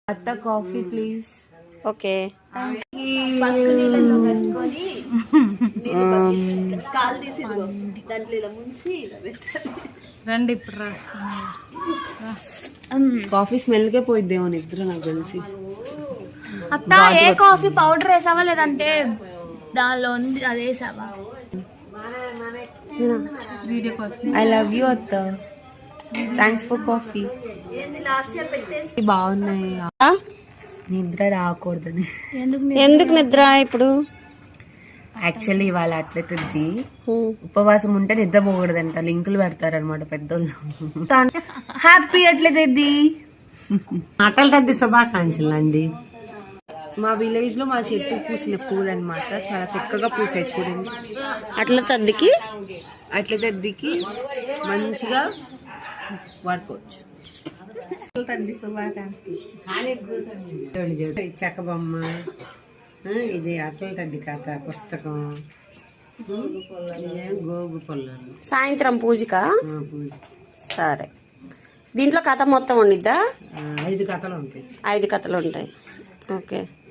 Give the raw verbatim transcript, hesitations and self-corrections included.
అత్త coffee please. Okay రండి ఇప్పుడు రాస్తాను. కాఫీ స్మెల్కే పోయిద్దేమో నిద్ర నాకు తెలిసి. అత్త ఏ కాఫీ పౌడర్ వేసావా లేదంటే దానిలో ఉంది అది వేసావా? వీడియో కోసం. ఐ లవ్ యూ అత్త, థ్యాంక్స్ ఫర్ కాఫీ. బాగున్నాయి. నిద్ర రాకూడదని. ఎందుకు నిద్ర ఇప్పుడు? యాక్చువల్లీ ఇవాళ అట్లయితుంది, ఉపవాసం ఉంటే నిద్ర పోకూడదంట. లింకులు పెడతారనమాట పెద్దోళ్ళు. హ్యాపీ అట్లయితుంది. అటల్ తద్ది శుభాకాంక్షలు అండి. మా విలేజ్ లో మా చెట్టు పూసిన పూలు అనమాట, చాలా చక్కగా పూసాయి చూడండి. అట్ల తద్దికి అట్ల తద్దికి మంచిగా వాడుకోవచ్చు. చెక్క బొమ్మ, ఇది అటల్ తద్ది కథ పుస్తకం, గోగు పొలాలు. సాయంత్రం పూజకా? పూజ. సరే, దీంట్లో కథ మొత్తం ఉండిద్దా? ఐదు కథలు ఉంటాయి. ఐదు కథలు ఉంటాయి. ఓకే.